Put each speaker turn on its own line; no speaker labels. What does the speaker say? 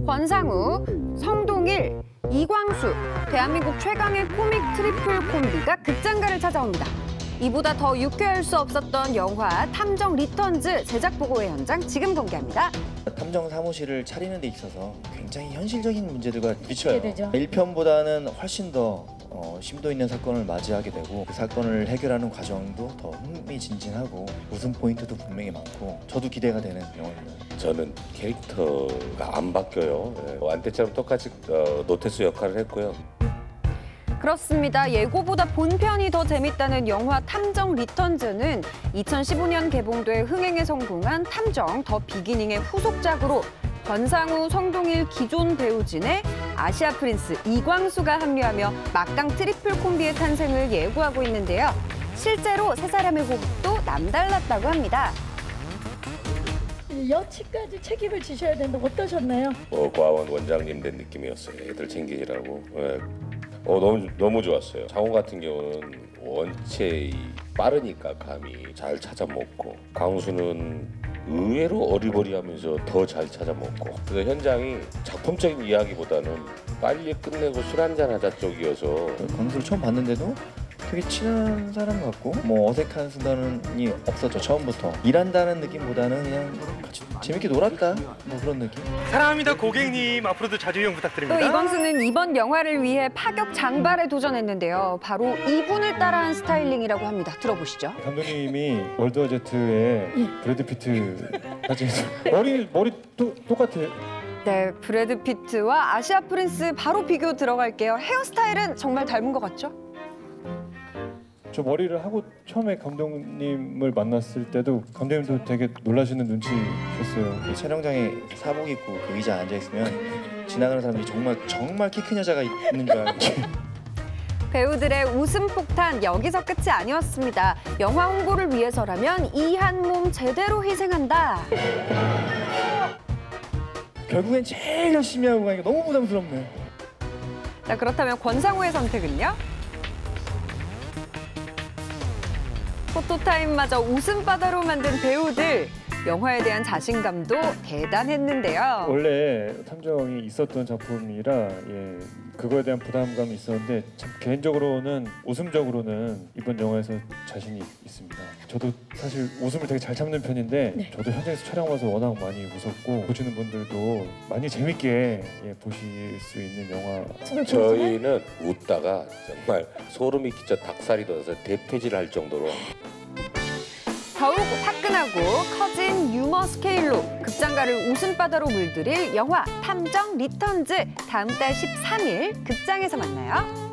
권상우, 성동일, 이광수, 대한민국 최강의 코믹 트리플 콤비가 극장가를 찾아옵니다. 이보다 더 유쾌할 수 없었던 영화 탐정 리턴즈 제작 보고회 현장 지금 공개합니다.
탐정 사무실을 차리는 데 있어서 굉장히 현실적인 문제들과 부딪혀요.
되죠.
1편보다는 훨씬 더 심도 있는 사건을 맞이하게 되고 그 사건을 해결하는 과정도 더 흥미진진하고 웃음 포인트도 분명히 많고 저도 기대가 되는 영화입니다.
저는 캐릭터가 안 바뀌어요. 안태처럼 똑같이 노태수 역할을 했고요.
그렇습니다. 예고보다 본편이 더 재밌다는 영화 탐정 리턴즈는 2015년 개봉돼 흥행에 성공한 탐정 더 비기닝의 후속작으로 권상우, 성동일 기존 배우진의 아시아 프린스 이광수가 합류하며 막강 트리플 콤비의 탄생을 예고하고 있는데요. 실제로 세 사람의 호흡도 남달랐다고 합니다.
여치까지 책임을 지셔야 되는데 어떠셨나요?
과원 원장님 된 느낌이었어요. 애들 챙기시라고. 너무 좋았어요. 상호 같은 경우는 원체 빠르니까 감이 잘 찾아먹고 광수는 의외로 어리버리하면서 더 잘 찾아먹고 그래서 현장이 작품적인 이야기보다는 빨리 끝내고 술 한잔 하자 쪽이어서
광수를 처음 봤는데도 되게 친한 사람 같고 뭐 어색한 순간이 없었죠. 처음부터 일한다는 느낌보다는 그냥 같이 재밌게 놀았다 뭐 그런 느낌.
사랑합니다 고객님. 앞으로도 자주 이용
또
부탁드립니다.
이광수는 이번 영화를 위해 파격 장발에 도전했는데요. 바로 이분을 따라한 스타일링이라고 합니다. 들어보시죠.
감독님이 월드 워 Z의 브래드 피트 사진에서 머리 똑같아요.
네, 브래드 피트와 아시아 프린스 바로 비교 들어갈게요. 헤어스타일은 정말 닮은 것 같죠?
저 머리를 하고 처음에 감독님을 만났을 때도 감독님도 되게 놀라시는 눈치셨어요.
이 촬영장에 사복 입고 그 의자에 앉아 있으면 지나가는 사람들이 정말 키 큰 여자가 있는 줄 알고.
배우들의 웃음 폭탄 여기서 끝이 아니었습니다. 영화 홍보를 위해서라면 이 한 몸 제대로 희생한다.
결국엔 제일 열심히 하고 가니까 너무 부담스럽네.
자, 그렇다면 권상우의 선택은요? 포토타임마저 웃음바다로 만든 배우들. 영화에 대한 자신감도 대단했는데요.
원래 탐정이 있었던 작품이라 그거에 대한 부담감이 있었는데 참 개인적으로는 웃음적으로는 이번 영화에서 자신이 있습니다. 저도 사실 웃음을 되게 잘 참는 편인데 저도 현장에서 촬영 와서 워낙 많이 웃었고 보시는 분들도 많이 재밌게 보실 수 있는 영화.
저희는 웃다가 정말 소름이 끼쳐 닭살이 돋아서 대퇴질을 할 정도로
더욱 화끈하고 커진 유머 스케일로 극장가를 웃음바다로 물들일 영화 탐정 리턴즈 다음 달 13일 극장에서 만나요.